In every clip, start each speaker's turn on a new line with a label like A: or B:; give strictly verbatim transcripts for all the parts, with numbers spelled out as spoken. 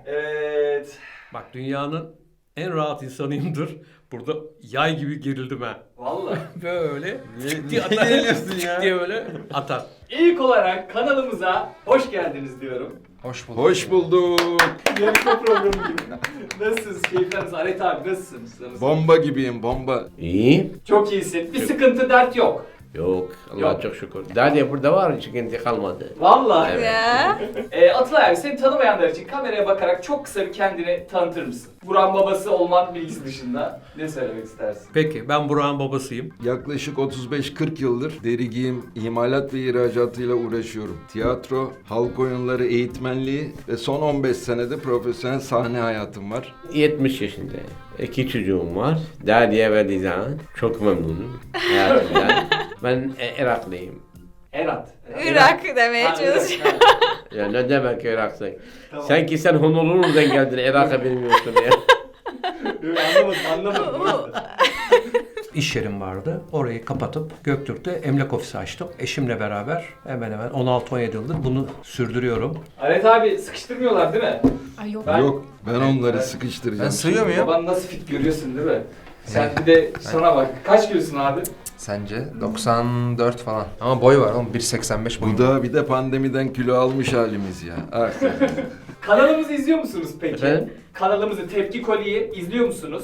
A: Evet.
B: Bak dünyanın en rahat insanıyımdır. Burada yay gibi gerildim ha.
A: Vallahi.
B: Böyle
C: Niye,
B: tık
C: niye
B: diye atar.
C: geriliyorsun
B: Tık
C: ya?
B: diye böyle atar.
A: İlk olarak kanalımıza hoş geldiniz diyorum.
C: Hoş bulduk.
D: Hoş bulduk.
A: Yarışma programı gibi. Nasılsınız? Keyifler nasıl? Aret abi nasılsınız? Nasılsınız?
D: Bomba gibiyim, bomba.
E: İyi.
A: Çok iyisin. Bir sıkıntı, dert yok.
E: Yok. Allah
A: Yok.
E: çok şükür. Daha diye burada var sıkıntı kalmadı.
A: Vallahi.
E: Evet.
F: Ya.
A: Ee, Atılay abi seni tanımayanlar için kameraya bakarak çok kısa bir kendini tanıtır mısın? Buran babası olman bilgisi dışında ne söylemek istersin?
B: Peki ben Burak'ın babasıyım.
D: Yaklaşık otuz beş kırk yıldır deri giyim, imalat ve ihracatıyla uğraşıyorum. Tiyatro, halk oyunları eğitmenliği ve son on beş senede profesyonel sahne hayatım var.
E: yetmiş yaşında. İki çocuğum var. Dadiye ve Dizan. Çok memnunum hayatımdan. Ben e, Iraklıyım.
A: Erat.
F: Irak demeye
A: Ha, Irak,
F: çalışıyor.
A: ha.
E: Ya ne demek Irak'sın?
A: Tamam.
E: Sanki sen Honolulu'dan geldin Irak'a bilmiyorsun ya.
A: Yok, anlamadım anlamadım. o yüzden.
B: İş yerim vardı. Orayı kapatıp Göktürk'te emlak ofisi açtım. Eşimle beraber hemen hemen on altı on yedi yıldır bunu sürdürüyorum.
A: Aret abi sıkıştırmıyorlar değil mi?
F: Ay yok.
A: Ben-
D: Yok, ben onları
A: Evet.
D: sıkıştıracağım.
C: Ben sığıyor muyum?
A: Baban nasıl fit görüyorsun değil mi? Sen bir de sana bak. Kaç kilosun abi?
C: Sence? doksan dört falan. Ama boy var oğlum bir seksen beş boy.
D: Bu da bir de pandemiden kilo almış halimiz ya. Ah.
A: Kanalımızı izliyor musunuz peki?
E: Efendim?
A: Kanalımızı Tepki Koli'yi izliyor musunuz?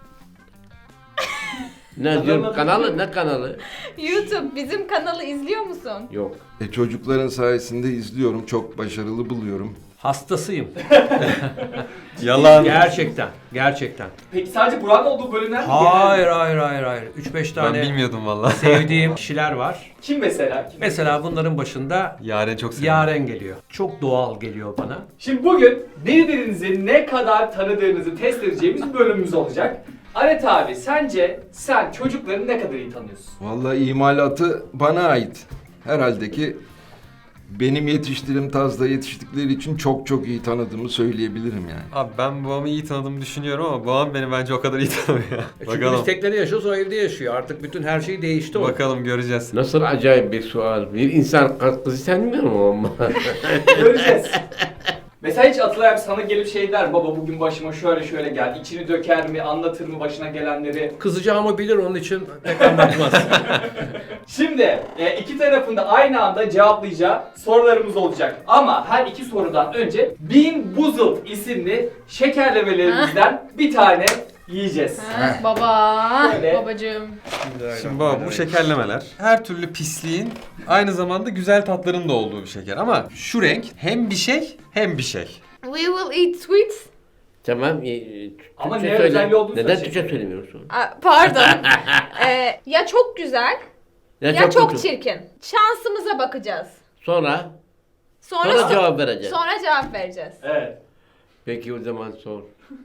E: Ne diyorum kanalı? Ne kanalı?
F: YouTube bizim kanalı izliyor musun?
E: Yok.
D: E, çocukların sayesinde izliyorum, çok başarılı buluyorum.
B: Hastasıyım.
C: Yalan.
B: Gerçekten. Gerçekten.
A: Peki sadece Burak'ın olduğu bölümler mi?
B: Hayır hayır hayır hayır. üç beş
C: Ben
B: tane
C: bilmiyordum valla.
B: sevdiğim kişiler var.
A: Kim mesela? Kim?
B: Mesela bunların başında
C: Yaren çok seviyorum.
B: Yaren geliyor. Çok doğal geliyor bana.
A: Şimdi bugün birbirinizi ne kadar tanıdığınızı test edeceğimiz bir bölümümüz olacak. Aret abi sence sen çocukları ne kadar iyi tanıyorsun?
D: Vallahi imalatı bana ait. Herhalde ki benim yetiştiğim tarzda yetiştikleri için çok çok iyi tanıdığımı söyleyebilirim yani.
C: Abi ben babamı iyi tanıdığımı düşünüyorum ama babam beni bence o kadar iyi tanımıyor.
B: E Çünkü biz
C: Bakalım.
B: teknede yaşıyoruz, o evde yaşıyor. Artık bütün her şey değişti o.
C: Bakalım göreceğiz.
E: Nasıl acayip bir sual. Bir insan kızı tanımıyor mu ama?
A: Göreceğiz. Mesela hiç Atılay abi sana gelip şey der, baba bugün başıma şöyle şöyle geldi, içini döker mi, anlatır mı başına gelenleri?
B: Kızacağımı bilir, onun için pek anlatmaz.
A: Şimdi e, iki tarafında aynı anda cevaplayacağı sorularımız olacak. Ama her iki sorudan önce Bean Boozled isimli şekerlemelerimizden bir tane yiyeceğiz.
F: Ha, baba.
A: Şöyle.
F: Babacığım.
C: Şimdi baba bu şekerlemeler her türlü pisliğin aynı zamanda güzel tatların da olduğu bir şeker. Ama şu renk hem bir şey hem bir şey.
F: We will eat sweets.
E: Tamam. e,
A: Ama
E: Türkçe
A: ne
E: söyle.
A: özelliği olduğunu
E: Neden
A: söyleyecek.
E: Türkçe söylemiyorsun?
F: Aa, pardon. Ee, ya çok güzel
E: Ya,
F: ya çok,
E: kötü.
F: çirkin. Şansımıza bakacağız.
E: Sonra?
F: Sonra,
E: Sonra
F: so-
E: cevap vereceğiz.
F: Sonra cevap vereceğiz.
A: Evet.
E: Peki o zaman sor.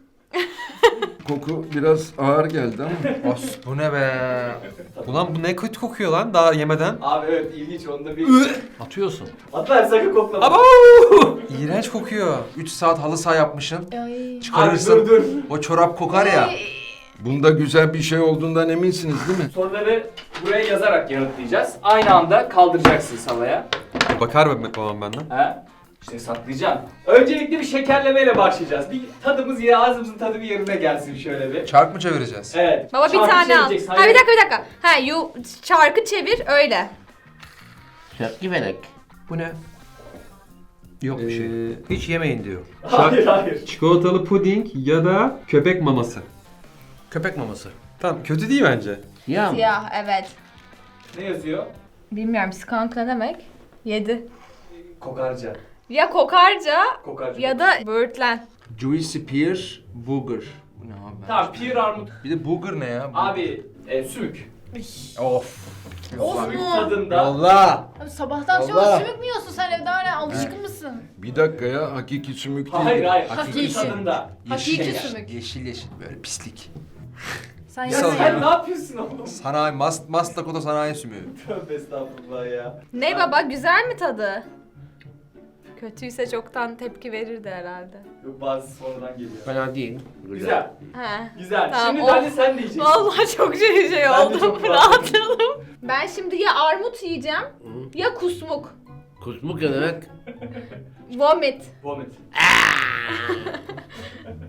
D: Koku biraz ağır geldi ama.
C: Os bu ne be? Ulan bu ne kötü kokuyor lan daha yemeden.
A: Abi evet ilginç onda bir...
B: Atıyorsun.
A: Atlar sakın koklama.
C: Aba! İğrenç kokuyor. üç saat halı saha yapmışsın.
F: Ay.
A: Abi
C: Çıkarırsın.
A: dur dur.
C: O çorap kokar ya.
F: Ay.
D: Bunda güzel bir şey olduğundan eminsiniz değil mi?
A: Soruları buraya yazarak yanıtlayacağız. Aynı anda kaldıracaksın salaya.
C: E, Bakar mı babam benden?
A: Ha? İşte saklayacaksın. Öncelikle bir şekerlemeyle başlayacağız. Bir tadımız ya ağzımızın tadı bir yerine gelsin şöyle bir.
C: Çark mı çevireceğiz?
A: Evet.
F: Baba bir
A: Çarpı
F: tane al.
A: çevireceksin,
F: Ha
A: hayır.
F: bir dakika bir dakika. Ha you çarkı çevir öyle.
E: Şarkı verek.
B: Bu ne? Yok bir şey.
C: Ee,
B: Hiç yemeyin diyor.
A: Hayır hayır.
C: Çikolatalı puding ya da köpek maması.
B: Köpek maması.
C: Tamam kötü değil bence.
E: Ya mı?
F: Siyah evet.
A: Ne yazıyor?
F: Bilmiyorum skunk ne demek? Yedi.
A: Kokarca.
F: Ya kokarca
A: Kokarca.
F: ya da böğürtlen.
C: Juicy pear booger. Bu ne abi?
A: Tamam pir armut.
C: Bir de booger ne ya?
A: Abi e, sümük.
C: Of.
A: Sümük
G: mu?
A: tadında.
C: Allah.
G: Abi sabahtan akşama
C: Allah.
G: sümük mü yiyorsun sen evde hala alışkın mısın?
D: Bir dakika ya, hakiki sümük değil.
A: Hayır hayır.
G: Hakiki.
A: Sümük tadında.
G: Hakiki
A: Yeşil.
G: sümük.
C: Yeşil yeşil böyle pislik.
G: Sen
A: Ya
C: Salak.
A: sen ne yapıyorsun oğlum?
C: Sanayi, mas, maslakota sanayi sümüğü.
A: Tövbe estağfurullah ya.
F: Ne baba güzel mi tadı? Kötüyse çoktan tepki verirdi herhalde.
A: Yok bazı sonradan geliyor.
E: Fena değil.
A: Güzel.
F: He.
A: Güzel.
F: Tamam,
A: Şimdi
F: of.
A: ben de sen de yiyeceksin.
F: Vallahi çok şey şey
A: Ben de
F: oldum.
A: çok
F: Rahatladım. Ben şimdi ya armut yiyeceğim
E: Hı.
F: ya kusmuk.
E: Kusmuk ne demek?
F: Vomit.
A: Vomit.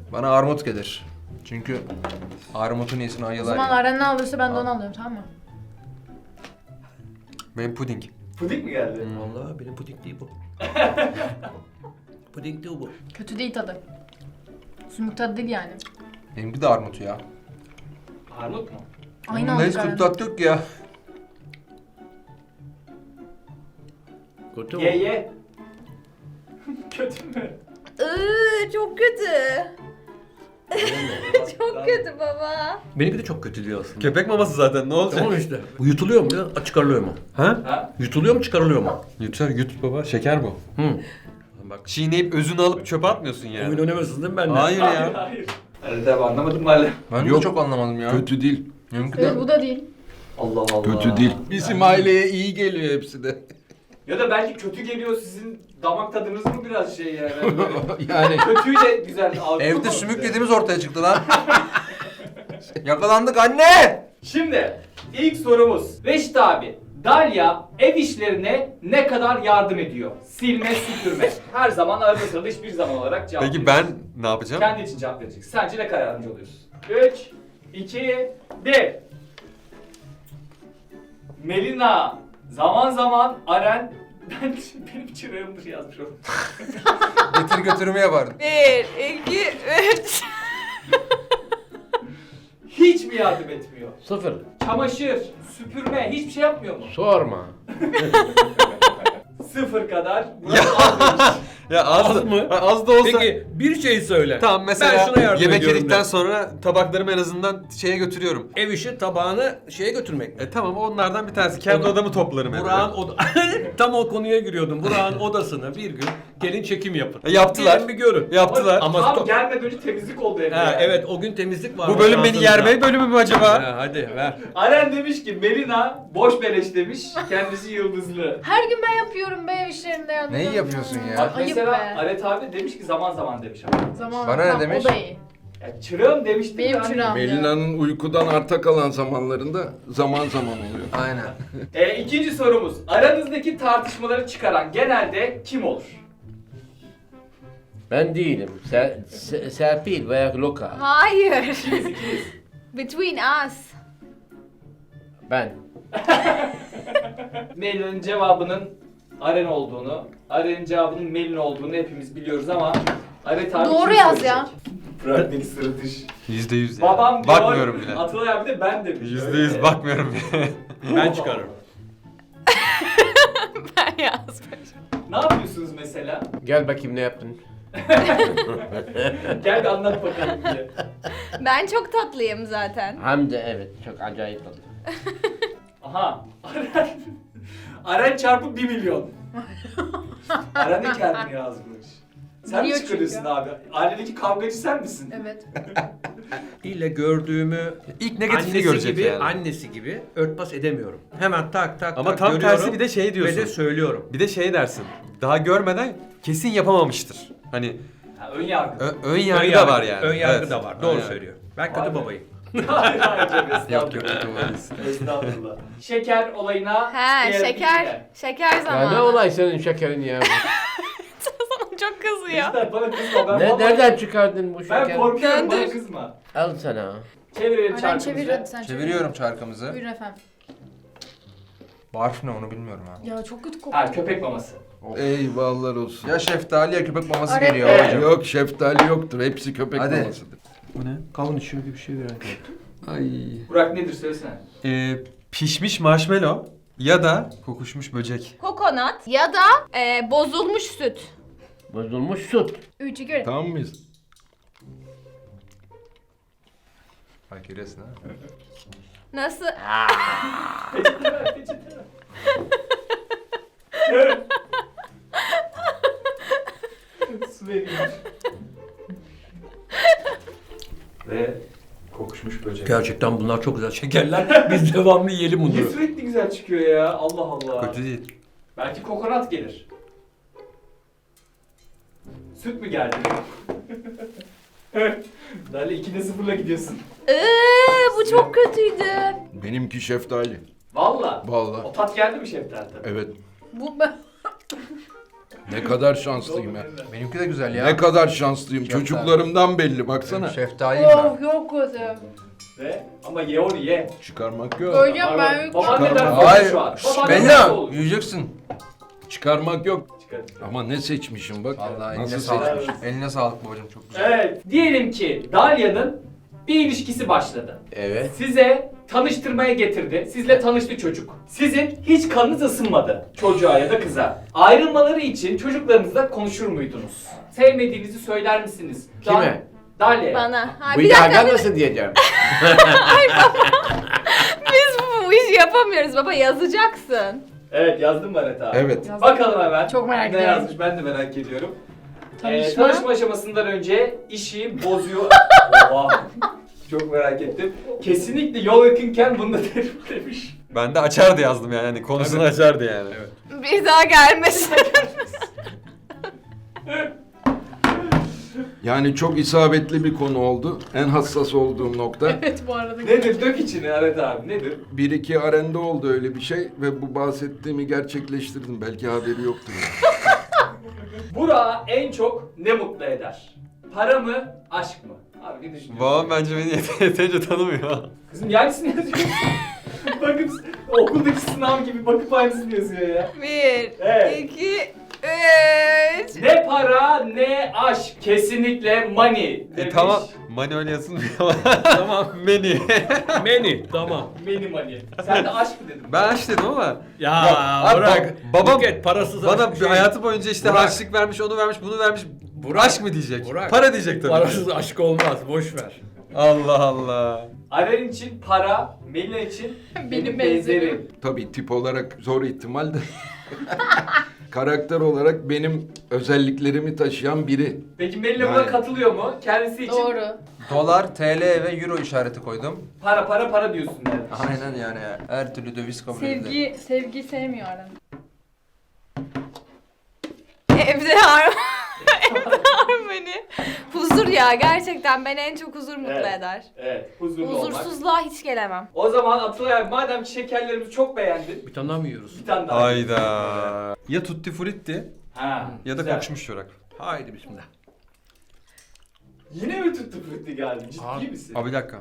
B: Bana armut gelir. Çünkü armutun iyisini
G: O
B: ayılar
G: zaman
B: ya.
G: Aren ne alırsa ben de onu alıyorum, tamam mı?
C: Benim puding.
A: Pudik mi geldi?
B: Vallahi benim puding değil bu. Puding değil bu.
G: Kötü değil tadı. Sümük tadı değil yani.
B: Benimki de armut ya.
A: Armut mu?
G: Aynı
B: Bunda hiç
G: aldık
B: kötü
G: Aren.
B: tat yok ya.
E: Kötü
A: Ye
E: mü?
A: ye. Kötü mü?
F: Iıı, çok kötü. Çok kötü baba.
B: Benimki de çok kötü diyor aslında.
C: Köpek maması zaten ne olacak?
B: Tamam işte. Bu yutuluyor mu ya? Çıkarılıyor mu?
C: Ha?
A: Ha?
B: Yutuluyor mu çıkarılıyor mu?
C: Yutar yut baba. Şeker bu.
B: Hı. Bak
C: Çiğneyip özünü alıp çöpe atmıyorsun yani.
B: oyun oynamıyorsun değil mi benimle?
C: Hayır
A: Hayır
C: ya.
A: hayır. Hadi devam, anlamadım hala.
B: Ben
D: Yok.
B: de çok anlamadım ya.
D: Kötü değil.
B: Benimki de.
G: Evet, bu da değil.
A: Allah Allah.
D: Kötü değil. Bizim aileye iyi geliyor hepsi de.
A: Ya da belki kötü geliyor, sizin damak tadınız mı biraz şey yani? Böyle
B: Yani
A: kötüyle güzel algı
B: evde
A: olmaz
B: sümük
A: bize.
B: yediğimiz ortaya çıktı lan. Yakalandık anne.
A: Şimdi ilk sorumuz. Reşit abi, Dalia ev işlerine ne kadar yardım ediyor? Silme, süpürme. Her zaman arada sırada hiçbir zaman olarak cevap
C: Peki
A: veriyorsun.
C: ben ne yapacağım?
A: Kendi için cevap vereceksin. Sence ne kadar yardımcı oluyorsun? üç, iki, bir. Melina, zaman zaman Aren, ben benim çırağımdır yazmış oldum.
B: Getir götürümü yapardım.
F: Bir, iki, üç.
A: Hiç mi yardım etmiyor?
E: Sıfır.
A: Çamaşır, süpürme, hiçbir şey yapmıyor mu?
E: Sorma.
A: Sıfır kadar. Murat az demiş.
C: Ya az,
B: Az
C: da,
B: mı?
C: Ha, az da olsa.
B: Peki bir şey söyle.
C: Tamam mesela
B: ben şuna yardım
C: yemek
B: ediyorum
C: yedikten
B: de.
C: sonra tabaklarımı en azından şeye götürüyorum.
B: Ev işi tabağını şeye götürmek.
C: E tamam onlardan bir tanesi. Kendi
B: Oda-
C: odamı toplarım evde.
B: Burak'ın oda... Tam o konuya giriyordum. Burak'ın odasına bir gün gelin çekim yapın.
C: E, yaptılar.
B: Gelin bir görün.
C: Yaptılar.
B: Ama
A: Tam
B: stop.
A: gelmeden önce temizlik oldu evde.
B: Ha,
A: yani.
B: evet o gün temizlik var.
C: Bu bölüm beni yerme bölümü mü acaba?
B: Ha, hadi ver.
A: Aren demiş ki Melina boş beleş demiş. Kendisi yıldızlı.
G: Her gün ben yapıyorum be ev işlerinde yardım
B: Neyi
G: ediyorum.
B: yapıyorsun ya?
A: Bak
G: Ayıp
A: mesela
G: be.
A: Aret abi demiş ki zaman zaman demiş ama.
G: Zaman
B: Bana ne
G: tamam,
B: demiş?
G: O da iyi.
A: Ya çırağım demiştim
G: Benim
A: de hani-
G: çırağım.
D: Melina'nın uykudan arta kalan zamanlarında zaman zaman oluyor.
B: Aynen.
A: E, ikinci sorumuz. Aranızdaki tartışmaları çıkaran genelde kim olur?
E: Ben değilim. Ser, Se- Serpil veya Loka.
F: Hayır.
A: İkimiz ikimiz.
F: Between us.
E: Ben.
A: Melina'nın cevabının Aren olduğunu, Aren'in cevabının Melina olduğunu hepimiz biliyoruz ama Aret abi
G: Doğru
A: kim
G: yaz
A: söyleyecek?
G: ya.
A: Bırak beni sırıtış.
C: Yüzde yüz ya.
A: Babam diyor,
C: Bakmıyorum bile.
A: Atılay abi de ben demiş.
C: Yüzde
A: Öyle
C: yüz
A: mi?
C: bakmıyorum bile.
B: Ben çıkarırım.
F: Ben yazmış.
A: Ne yapıyorsunuz mesela?
E: Gel bakayım ne yaptın.
A: Gel bir anlat bakalım diye.
F: Ben çok tatlıyım zaten.
E: Hem de evet çok acayip oldu.
A: Aha. Aren. Aren çarpı bir milyon. Aren de kendini yazmış. Sen mi
G: Biliyor
A: çıkarıyorsun
G: çünkü.
A: abi? Ailedeki kavgacı sen misin?
G: Evet.
B: İlle gördüğümü
C: İlk negatifini
B: annesi
C: görecek
B: gibi,
C: yani.
B: annesi gibi örtbas edemiyorum. Hemen tak tak
C: Ama
B: tak
C: tam
B: görüyorum
C: tersi bir de şey diyorsun.
B: Ve de söylüyorum.
C: Bir de şey dersin. Daha görmeden kesin yapamamıştır. Hani
A: Ha, ön yargı.
C: ö- ön yargı
B: Ön
C: da var yani.
B: Ön yargı
C: Evet.
B: da var.
C: Ön
B: Doğru
C: yargı.
B: söylüyor. Ben
A: Vay
B: kötü
A: be.
B: babayım.
A: Hayır hayır canım,
C: Yok yok
A: estağfurullah.
C: yok.
A: Estağfurullah. Şeker olayına
F: He
A: diğer
F: şeker.
A: bilgiler.
F: Şeker
E: Ya
F: zamanı.
E: ne olay senin şekerin ya?
F: Sana çok kızıyor.
A: Lütfen bana kızma. Ben
E: ne,
A: vallahi-
E: nereden çıkardın bu
A: Ben
E: şekeri?
A: korkuyorum, bana
F: Döndür.
A: kızma.
E: Al sana.
A: Çevirelim
G: Aren
A: çarkımızı.
G: çevir hadi sen çevir.
B: Çeviriyorum çarkımızı.
G: Buyurun efendim.
B: Barf ne onu bilmiyorum ha.
G: Ya çok kötü kokuyor.
A: Ha, köpek maması.
D: Eyvallah olsun.
B: Ya şeftali ya köpek maması
G: Araya-
B: geliyor
A: Evet.
B: hocam.
D: Yok şeftali yoktur. Hepsi köpek
B: Hadi.
D: mamasıdır.
C: Bu ne?
B: Kavun içiyor gibi bir şey bir
D: Ay.
A: Burak nedir söylesene.
C: Ee, pişmiş marshmallow ya da kokuşmuş böcek.
F: Kokonat ya da e, bozulmuş süt.
E: Bozulmuş süt.
G: Üç iki.
D: Tamam mıyız?
B: Bak görüyorsun ha.
F: Nasıl?
A: Peçete ver, peçete ver. Su vereyim. Ve kokuşmuş böcek.
B: Gerçekten bunlar çok güzel şekerler. Biz devamlı yiyelim
A: Niye
B: bunları.
A: sürekli güzel çıkıyor ya? Allah Allah.
C: Kötü değil.
A: Belki kokonat gelir. Süt mü geldi? Dali ikide sıfırla gidiyorsun.
F: Iıı, bu çok kötüydü.
D: Benimki şeftali.
A: Valla.
D: Vallahi.
A: O tat geldi mi şeftali tabii?
D: Evet.
G: Bu ben...
D: Ne kadar şanslıyım ya.
B: Benimki de güzel ya.
D: Ne kadar şanslıyım.
B: Şeftali.
D: Çocuklarımdan belli baksana.
B: Şeftaliyim ben.
G: Of çok kötü.
A: Ve ama ye onu ye.
D: Çıkarmak yok.
G: Koyacağım ben.
A: Baban neden
D: Çıkarma.
A: korktu
B: Hayır.
A: şu an?
B: Şşş,
A: Baban
B: Bella,
A: neden olur?
B: yiyeceksin.
D: Çıkarmak yok.
A: Çıkar.
D: Ama ne seçmişim bak.
B: Vallahi eline
D: Nasıl
B: sağlık.
D: seçmişim.
B: Eline sağlık babacığım, çok güzel.
A: Evet. Diyelim ki Dalya'nın bir ilişkisi başladı.
E: Evet.
A: Size tanıştırmaya getirdi. Sizle tanıştı çocuk. Sizin hiç kanınız ısınmadı çocuğa ya da kıza. Ayrılmaları için çocuklarınızla konuşur muydunuz? Sevmediğinizi söyler misiniz?
E: Kime?
A: Dalya'ya.
F: Bana. Ha,
E: Bu
F: bir dakika,
E: iddia
F: bir-
E: nasıl diyeceğim?
F: biz bu, bu işi yapamıyoruz baba, yazacaksın.
A: Evet, yazdım mı Aret abi?
D: Evet.
A: Bakalım hemen.
G: Çok merak
A: ne
G: ediyorum.
A: yazmış ben de merak ediyorum.
G: Tanışma.
A: Ee, tanışma aşamasından önce işi bozuyor. Oha. Çok merak ettim. Kesinlikle yol yakınken bunu da derim demiş.
C: Ben de açardı yazdım yani. Hani konusunu açardı yani. Evet.
F: Bir daha gelmesin.
D: Yani çok isabetli bir konu oldu. En hassas olduğum nokta.
G: Evet bu arada.
A: Nedir? Dök içini Aret abi. Nedir?
D: Bir iki arende oldu öyle bir şey ve bu bahsettiğimi gerçekleştirdim. Belki haberi yoktur.
A: Burak'ı en çok ne mutlu eder? Para mı, aşk mı? Abi ne düşünüyorsun?
C: Babam bence beni yet- yeterince tanımıyor.
A: Kızım aynısını yazıyorsun. Bakıp okuldaki sınav gibi bakıp aynısını yazıyor ya.
F: Bir,
A: Evet.
F: iki, üç.
A: Ne para ne aşk. Kesinlikle money
C: E
A: demiş.
C: tamam. Mani öyle yazılmıyor ama. tamam. Meni.
H: Meni tamam.
A: Many money. Sen de aşk mı dedin?
C: Ben aç dedim ama.
H: Ya,
C: abi,
H: bırak.
C: babam
H: Buket, parasız
C: bana
H: aşk şey.
C: hayatı boyunca işte
H: Burak.
C: harçlık vermiş, onu vermiş, bunu vermiş.
H: Burak.
C: Aşk mı diyecek?
H: Burak.
C: Para diyecek tabii.
H: Parasız aşk olmaz. Boş ver.
C: Allah Allah.
A: Aren için para, Melina için benim,
G: Benim
A: benzerim.
G: benzerim.
D: Tabii tip olarak zor ihtimal de. Karakter olarak benim özelliklerimi taşıyan biri.
A: Peki Melina buna
D: Yani.
A: katılıyor mu? Kendisi için
G: Doğru.
B: Dolar, T L ve Euro işareti koydum.
A: para para para diyorsun yani.
B: Aynen yani. Her türlü döviz kabul edilir.
G: Sevgi, sevgi sevmiyor Aren.
F: Evde har Evde harmoni. Huzur ya, gerçekten beni en çok huzur mutlu
A: Evet.
F: eder.
A: Evet, huzurlu olmak.
F: Huzursuzluğa hiç gelemem.
A: O zaman Atılay abi madem ki şekerlerimizi çok beğendin,
H: Bir tane daha mı yiyoruz?
A: bir tane daha.
C: Hayda. Ya tutti frutti
A: Ha,
C: ya da
A: güzel.
C: kokuşmuş çorak.
H: Haydi bismillah.
A: Yine mi tuttu frutti geldi? Ciddi
H: Abi-
A: misin?
C: Abi bir dakika.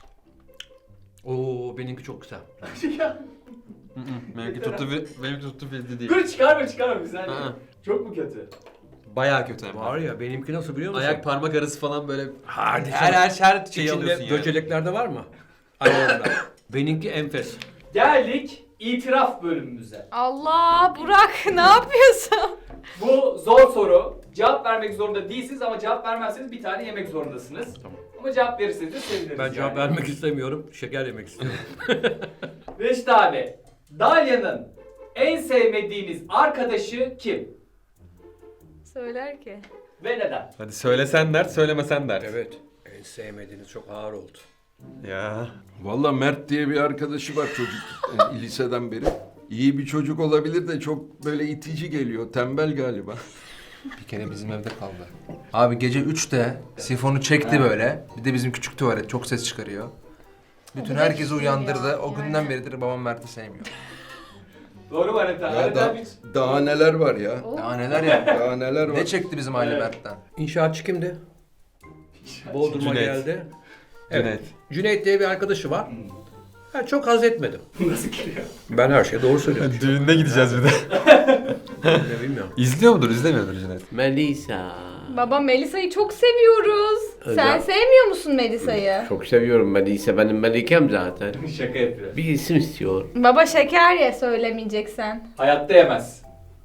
H: Oo benimki çok güzel.
C: Hı hı, benimki tuttu fri- benimki tuttu frutti değil.
A: Dur çıkarma çıkarma bir saniye.
C: Aa.
A: Çok mu kötü?
C: Bayağı kötü hem de.
H: Var ya benimki nasıl biliyor musun?
C: Ayak parmak arası falan böyle
H: Hadi
C: her her her şeyi
H: İçinde
C: alıyorsun yani.
H: böceleklerde var mı? Ayağında. benimki enfes.
A: Geldik itiraf bölümümüze.
F: Allah, Burak ne yapıyorsun?
A: Bu zor soru. Cevap vermek zorunda değilsiniz ama cevap vermezseniz bir tane yemek zorundasınız.
H: Tamam.
A: Ama cevap verirseniz de seviniriz.
H: Ben cevap
A: yani.
H: vermek istemiyorum. Şeker yemek istiyorum.
A: Reşit abi, Dalya'nın en sevmediğiniz arkadaşı kim?
F: Söyler ki.
A: Ve neden?
C: Hadi söylesen dert, söylemesen dert.
H: Evet. En sevmediğiniz çok ağır oldu.
C: Ya.
D: Valla Mert diye bir arkadaşı var çocuk yani liseden beri. İyi bir çocuk olabilir de çok böyle itici geliyor. Tembel galiba.
B: Bir kere bizim evde kaldı. Abi gece üçte sifonu çekti böyle. Bir de bizim küçük tuvalet çok ses çıkarıyor. Bütün
G: da
B: herkesi
G: küçük
B: uyandırdı.
G: ya,
B: O
G: yani.
B: günden beridir babam Mert'i sevmiyor.
A: Doğru mu Aret abi?
D: Ya
A: Aret
D: da,
A: abi hiç-
D: daha neler var ya.
B: Daha neler ya.
D: Daha neler var.
B: Ne çekti bizim aile
A: Evet.
B: Mert'ten?
H: İnşaatçı kimdi? Bodrum'a
C: Cüneyt.
H: geldi.
C: Cüneyt.
H: Evet. Cüneyt diye bir arkadaşı var. Ben çok haz etmedim.
A: Nasıl geliyor?
H: Ben her şeye doğru söylüyorum.
C: Düğününe gideceğiz bir de.
H: Ne bilmiyorum.
C: İzliyor mudur, izlemiyordur Cüneyt?
E: Melisa.
F: Baba, Melisa'yı çok seviyoruz.
E: Öyle.
F: Sen sevmiyor musun Melisa'yı?
E: Çok seviyorum Melisa. Benim Melikem zaten.
A: Şaka yapıyor.
E: Bir isim istiyor.
F: Baba şeker ye, söylemeyeceksen.
A: Hayatta yemez.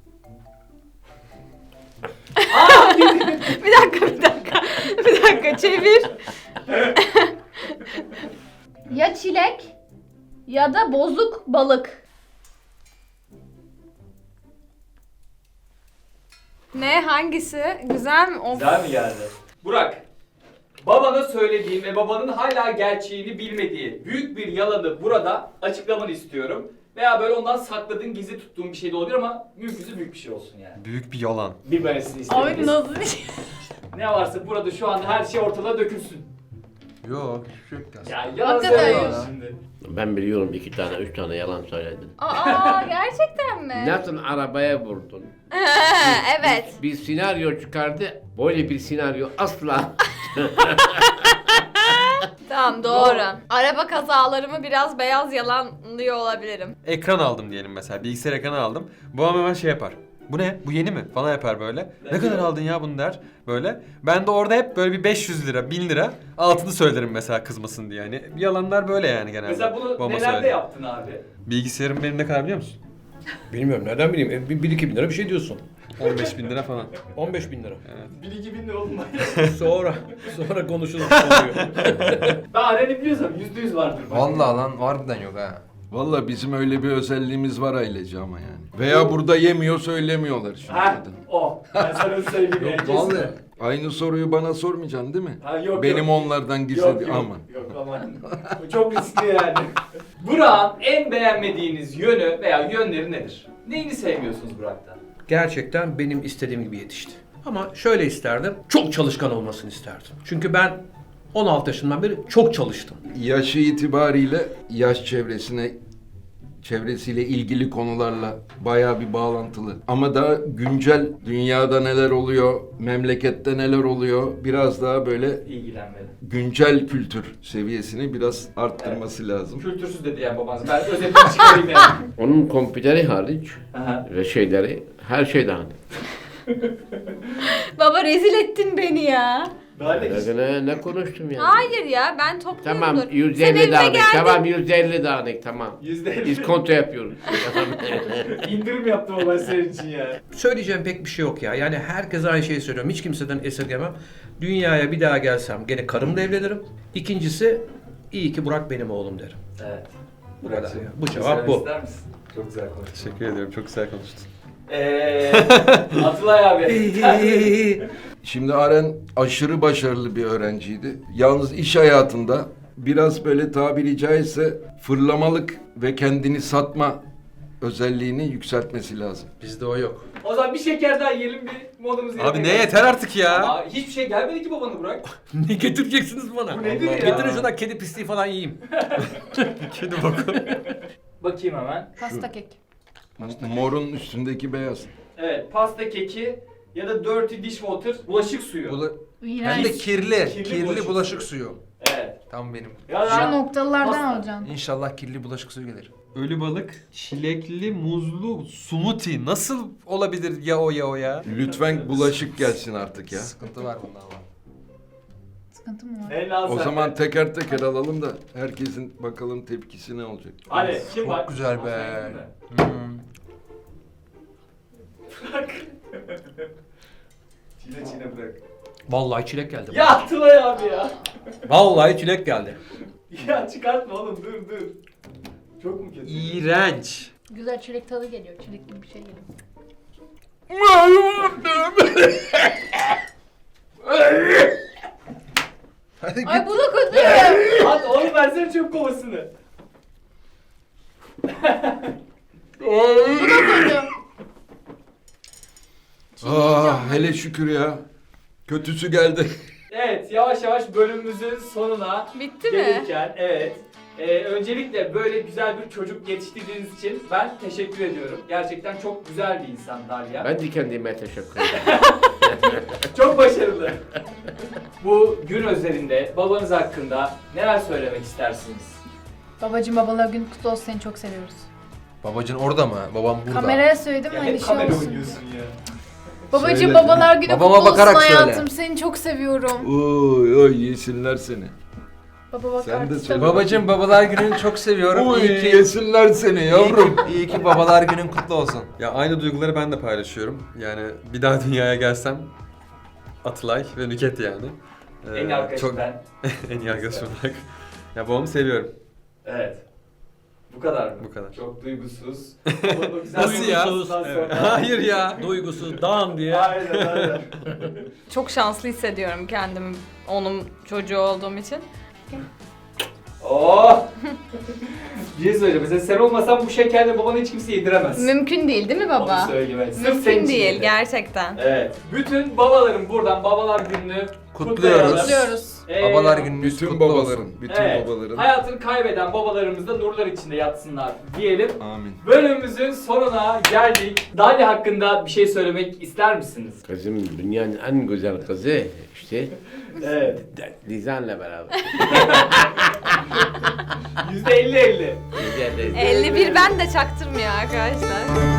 F: Bir dakika, bir dakika. Bir dakika, çevir. Ya çilek ya da bozuk balık. Ne, hangisi? Güzel mi? Of.
A: Güzel mi geldi? Burak, babana söylediğin ve babanın hala gerçeğini bilmediği büyük bir yalanı burada açıklamanı istiyorum. Veya böyle ondan sakladığın, gizli tuttuğun bir şey de olabilir ama mümkünse büyük bir şey olsun yani.
C: Büyük bir yalan.
A: Bilmemesini
G: Abi
A: istediğiniz.
G: nasıl bir şey?
A: Ne varsa burada şu anda her şey ortada dökülsün.
H: Yok hiçbir şey yok ya.
A: Ya yalan
F: Hakikaten
A: söylüyorsun
F: ya.
A: şimdi.
E: Ben biliyorum iki tane, üç tane yalan söyledin.
F: Aa gerçekten mi?
E: Nasıl arabaya vurdun?
F: Evet.
E: Bir senaryo çıkardı. Böyle bir senaryo asla.
F: Tamam doğru. Araba kazalarımı biraz beyaz yalanlıyor olabilirim.
C: Ekran aldım diyelim mesela. Bilgisayar ekranı aldım. Babam hemen şey yapar. Bu ne? Bu yeni mi? Falan yapar böyle. Ne kadar aldın ya bunu der. Böyle. Ben de orada hep böyle bir beş yüz lira, bin lira altını söylerim mesela kızmasın diye. Yani yalanlar böyle yani genelde.
A: Mesela bunu
C: Babama
A: nelerde
C: söyledim.
A: yaptın abi?
C: Bilgisayarım benim ne kadar biliyor musun?
H: Bilmiyorum nereden bileyim. E, bir, bir iki bin lira bir şey diyorsun.
C: on beş bin lira falan.
H: on beş bin lira.
A: Bir iki bin lira olmaz.
H: sonra sonra konuşuruz. Oluyor.
A: Ben Aren'i biliyorsam yüzde yüz vardır. bak.
I: Vallahi lan harbiden yok ha.
D: Valla bizim öyle bir özelliğimiz var ailece ama yani. Veya burada yemiyor söylemiyorlar şimdi.
A: Ha o. Ben sana söyleyeyim.
I: Yok
A: kesin.
I: vallahi.
D: Aynı soruyu bana sormayacaksın değil mi?
A: Ha, yok,
D: Benim
A: yok.
D: onlardan gizli
A: Yok yok.
D: aman.
A: Yok aman. Bu çok riskli yani. Burak'ın en beğenmediğiniz yönü veya yönleri nedir? Neyini sevmiyorsunuz Burak'tan?
B: Gerçekten benim istediğim gibi yetişti. Ama şöyle isterdim, çok çalışkan olmasını isterdim. Çünkü ben on altı yaşından beri çok çalıştım.
D: Yaşı itibariyle yaş çevresine çevresiyle ilgili konularla bayağı bir bağlantılı. Ama daha güncel dünyada neler oluyor, memlekette neler oluyor biraz daha böyle
A: İlgilenmeli.
D: güncel kültür seviyesini biraz arttırması lazım.
A: Kültürsüz dedi yani babanız. Ben özetini çıkarayım yani.
E: Onun kompüteri hariç
A: Aha.
E: ve şeyleri, her şey dağınık.
F: Baba rezil ettin beni ya.
A: Daha ne
E: Ne, ne, ne konuştum ya?
F: Hayır ya ben topluyorumdur.
E: Tamam yüz
F: Sen
E: elli
F: evime
E: dağınık.
F: geldin.
E: Tamam yüz elli dağınık tamam.
A: Yüzde elli.
E: İskonto yapıyoruz.
A: İndirim yaptım baba senin için ya.
B: Söyleyeceğim pek bir şey yok ya. Yani herkese aynı şeyi söylüyorum. Hiç kimseden esirgemem. Dünyaya bir daha gelsem gene karımla evlenirim. İkincisi iyi ki Burak benim oğlum derim.
A: Evet.
B: Bu kadar ya. Bu
A: Bir şey
B: cevap bu.
A: ister misin? Çok güzel konuştun.
C: Teşekkür ediyorum. Çok güzel konuştun.
A: Eee Atılay abi.
D: Şimdi Aren aşırı başarılı bir öğrenciydi. Yalnız iş hayatında biraz böyle tabiri caizse fırlamalık ve kendini satma özelliğini yükseltmesi lazım.
B: Bizde o yok.
A: O zaman bir şeker daha yiyelim bir modumuzu
C: Abi
A: yerine
C: ne
A: gelsin.
C: yeter artık ya.
A: Ama hiçbir şey gelmedi ki babana Burak.
B: Ne getireceksiniz bana?
A: Bu nedir ya?
B: Getirin şuradan kedi pisliği falan yiyeyim.
C: Kedi boku.
A: Bakayım hemen.
G: Pasta kek.
D: Morun üstündeki beyaz.
A: Evet, pasta keki ya da dirty dishwater bulaşık suyu.
I: Bula-
G: İğrenç.
I: Hem de kirli,
A: Kirli
I: kirli,
A: bulaşık
I: bulaşık suyu.
A: Evet.
I: Tam benim.
A: Ya
G: Şu
A: da
G: noktalılardan
A: Pasta.
G: alacaksın.
I: İnşallah kirli bulaşık suyu gelir.
C: Ölü balık, çilekli, muzlu smoothie. Nasıl olabilir ya o ya o ya?
D: Lütfen bulaşık gelsin artık ya.
I: Sıkıntı var bunda ama.
G: Sıkıntı mı var?
A: ne lazım?
D: O zaman teker teker alalım da herkesin bakalım tepkisi ne olacak.
A: Hadi kim
I: Çok
A: var?
I: güzel be.
A: Masaya gidin mi?
I: Hmm.
A: Çile çile bırak.
B: Vallahi çilek geldi.
A: Ya Atılay abi ya.
B: Vallahi çilek geldi.
A: Ya çıkartma oğlum dur dur. Çok mu kötü?
C: İğrenç.
G: Güzel çilek tadı geliyor. Çilek gibi bir şey geliyor.
I: Hadi
F: Ay
I: git.
F: bu da kötü.
A: At oğlum versene çöp kovasını.
G: Bu da kötü.
D: Ah hele şükür ya. Kötüsü geldi.
A: Evet yavaş yavaş bölümümüzün sonuna
F: Bitti mi?
A: gelirken evet. Ee, öncelikle böyle güzel bir çocuk yetiştirdiğiniz için ben teşekkür ediyorum. Gerçekten çok güzel bir insan Dalia.
E: Ben de kendime teşekkür ederim.
A: Çok başarılı. Bu gün özelinde babanız hakkında neler söylemek istersiniz?
G: Babacım babalar günü kutlu olsun, seni çok seviyoruz.
I: Babacın orada mı? Babam burada.
G: Kameraya söyledim
A: Ya
G: hani
A: hep
G: şey
A: kamera
G: olsun.
A: oynuyorsun ya.
G: Babacım
D: Söyle.
G: babalar günü
I: Babama
G: kutlu olsun
I: bakarak söyle.
G: hayatım, seni çok seviyorum.
D: Oy oy yesinler seni.
G: Baba bak
D: Sen de
G: artık
D: söyle.
G: tabii.
I: Babacım babalar gününü çok seviyorum.
D: Oy
I: İyi ki,
D: yesinler seni yavrum.
I: iyi ki, iyi ki babalar günün kutlu olsun.
C: Ya aynı duyguları ben de paylaşıyorum. Yani bir daha dünyaya gelsem Atılay ve Nüket yani. Ee,
A: En iyi arkadaşım
C: çok
A: ben.
C: en iyi arkadaşım olarak. Ya babamı seviyorum.
A: Evet. Bu kadar mı?
C: Bu kadar.
A: Çok duygusuz. Ama o güzel
C: Nasıl ya?
A: duygusuzdan
C: Evet.
A: sonra-
C: Hayır ya.
B: Duygusuz, dağın diye.
A: Aynen aynen.
F: Çok şanslı hissediyorum kendimi onun çocuğu olduğum için.
A: Oh! Bir şey söyleyeceğim. Mesela sen olmasan bu şekerle babanı hiç kimse yediremez.
F: Mümkün değil değil mi baba?
A: Onu söyleyeyim. Evet. Sırf senin
F: Mümkün
A: için
F: değil
A: yedim.
F: gerçekten.
A: Evet. Bütün babaların buradan babalar gününü
I: Kutluyoruz.
G: Kutluyoruz.
A: Ee,
I: Babalar gününüz
D: Bütün
I: kutlu
D: babaların,
I: olsun.
D: bütün
A: Evet.
D: babaların.
A: Hayatını kaybeden babalarımız da nurlar içinde yatsınlar diyelim.
D: Amin.
A: Bölümümüzün sonuna geldik. Dalya hakkında bir şey söylemek ister misiniz?
E: Kızım dünyanın en güzel kızı işte
A: Evet.
E: Lizan'la beraber.
A: yüzde elli elli.
E: Güzel de-
F: elli bir ben de çaktırmıyor arkadaşlar.